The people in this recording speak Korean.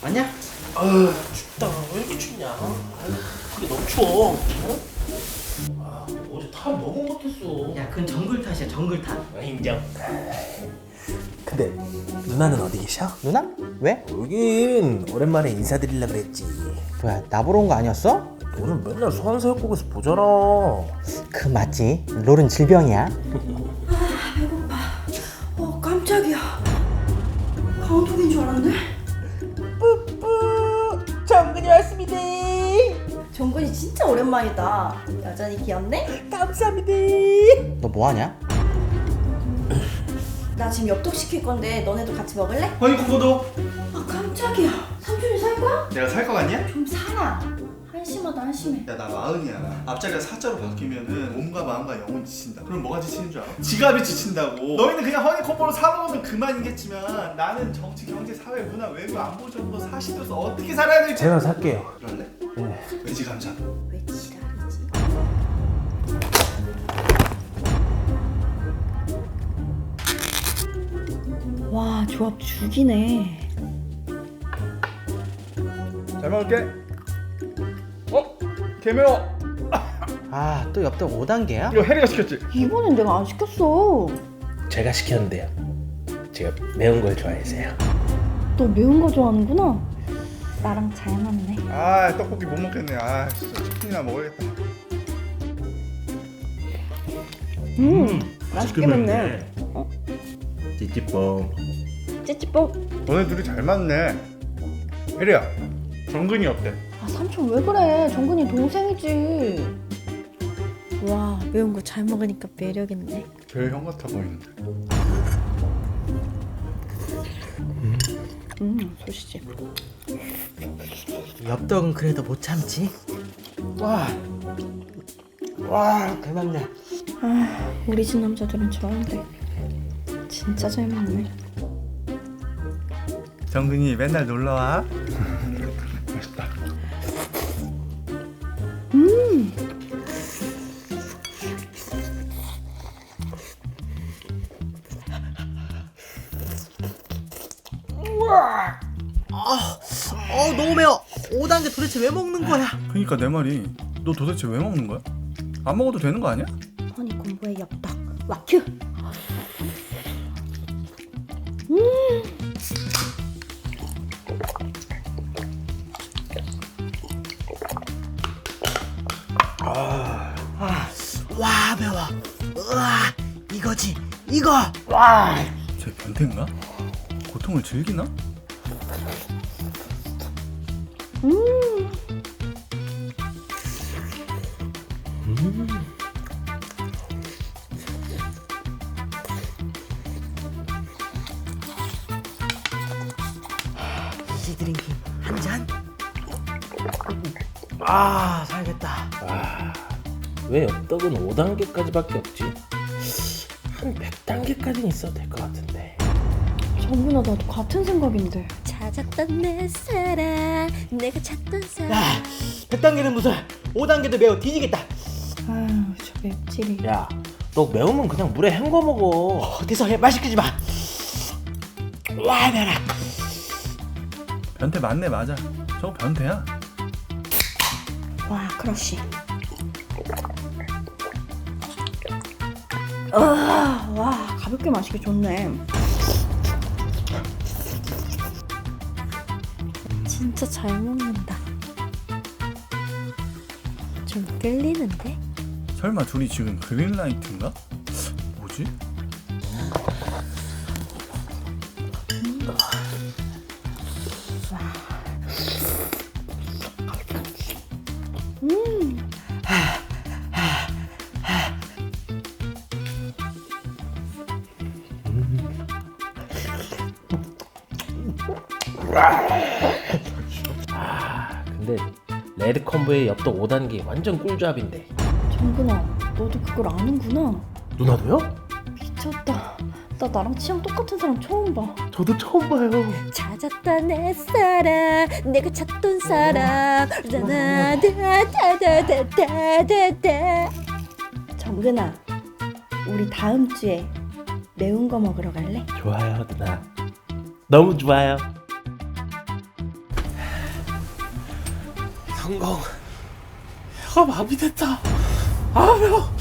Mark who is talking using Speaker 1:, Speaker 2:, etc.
Speaker 1: 아니야?
Speaker 2: 춥다. 왜 이렇게 춥냐? 그게 너무 추워. 어제 탑 너무 못했어.
Speaker 1: 야, 그건 정글 탓이야, 정글 탓.
Speaker 2: 인정. 근데 누나는 어디 계셔?
Speaker 1: 누나? 왜?
Speaker 2: 여긴 오랜만에 인사드리려 그랬지.
Speaker 1: 뭐야, 나 보러 온 거 아니었어?
Speaker 2: 너는 맨날 소환사역국에서 보잖아.
Speaker 1: 그 맞지? 롤은 질병이야.
Speaker 3: 깜짝이야. 강호동인 줄 알았네.
Speaker 1: 뿌뿌 정근이 왔습니다.
Speaker 3: 정근이 진짜 오랜만이다. 여전히 귀엽네?
Speaker 1: 감사합니다. 너 뭐하냐?
Speaker 3: 나 지금 엽떡 시킬 건데 너네도 같이 먹을래?
Speaker 4: 아니 그거도
Speaker 3: 아 깜짝이야. 삼촌이 살 거야?
Speaker 4: 내가 살 거 같냐?
Speaker 3: 좀 사라. 한심하다 한심해.
Speaker 4: 야 나 마흔이야. 앞자리가 사자로 바뀌면은 몸과 마음과 영혼이 지친다. 그럼 뭐가 지치는 줄 알아? 지갑이 지친다고. 너희는 그냥 허니콤보로 사먹으면 그만이겠지만 나는 정치, 경제, 사회, 문화, 외교, 안보, 정보, 사시도서 어떻게 살아야 될지.
Speaker 2: 제가 살게요.
Speaker 4: 그럴래?
Speaker 2: 네.
Speaker 4: 외지 감사.
Speaker 3: 왜 지랄이지? 와 조합 죽이네.
Speaker 4: 잘 먹을게. 개매워.
Speaker 1: 아, 또 엽떡 5단계야?
Speaker 4: 이거 혜리가 시켰지?
Speaker 3: 이번엔 내가 안 시켰어.
Speaker 2: 제가 시켰는데요. 제가 매운 걸 좋아해서요.
Speaker 3: 너 매운 거 좋아하는구나. 나랑 잘 맞네.
Speaker 4: 아 떡볶이 못 먹겠네. 아 진짜 치킨이나 먹어야겠다.
Speaker 3: 맛있게 먹네.
Speaker 2: 찌찌뽕.
Speaker 3: 찌찌뽕.
Speaker 4: 너네 둘이 잘 맞네. 혜리야 정근이 어때?
Speaker 3: 아 삼촌 왜 그래? 정근이 동생이지. 와 매운 거 잘 먹으니까 매력 있네.
Speaker 4: 제일 형 같아 보이는데.
Speaker 3: 소시지.
Speaker 1: 엽떡은 그래도 못 참지. 와, 대박네.
Speaker 3: 아 우리 집 남자들은 저런데 진짜 잘 먹네.
Speaker 4: 정근이 맨날 놀러와. 맛있다.
Speaker 1: 너무 매워. 5단계 도대체 왜 먹는 거야?
Speaker 4: 그니까 내 말이 너 도대체 왜 먹는 거야? 안 먹어도 되는 거 아니야?
Speaker 3: 허니콤보의 엽떡 와큐.
Speaker 1: 와, 매워. 우와, 이거지, 이거.
Speaker 4: 쟤 변태인가? 고통을 즐기나?
Speaker 1: 이지 드링킹 한 잔. 살겠다.
Speaker 2: 왜 엽떡은 5단계까지밖에 없지? 한 100단계까지는 있어도 될 것 같은데.
Speaker 3: 정근아 나도 같은 생각인데.
Speaker 5: 찾았던 내 사랑 내가 찾던 사랑
Speaker 1: 야, 100단계는 무슨 5단계도 매워 뒤지겠다.
Speaker 3: 아유 저 맵찔이.
Speaker 2: 야, 너 매우면 그냥 물에 헹궈 먹어.
Speaker 1: 어디서 말 시키지 마. 와, 매워.
Speaker 4: 변태 맞네. 맞아. 저거 변태야.
Speaker 3: 와 크러쉬. 와 가볍게 마시기 좋네.
Speaker 5: 진짜 잘 먹는다. 좀 끌리는데?
Speaker 4: 설마 둘이 지금 그린라이트인가? 뭐지?
Speaker 2: 근데 레드 콤보의 엽떡 5단계 완전 꿀조합인데.
Speaker 3: 정근아 너도 그걸 아는구나.
Speaker 2: 누나도요?
Speaker 3: 미쳤다. 나 나랑 취향 똑같은 사람 처음 봐.
Speaker 2: 저도 처음 봐요.
Speaker 5: 찾았던 내 사랑 내가 찾던 사랑 다다다다다다다다.
Speaker 3: 정근아 우리 다음 주에 매운 거 먹으러 갈래?
Speaker 2: 좋아요, 누나. 너무 좋아요.
Speaker 1: 항공 혀가 마비됐다. 아 매워.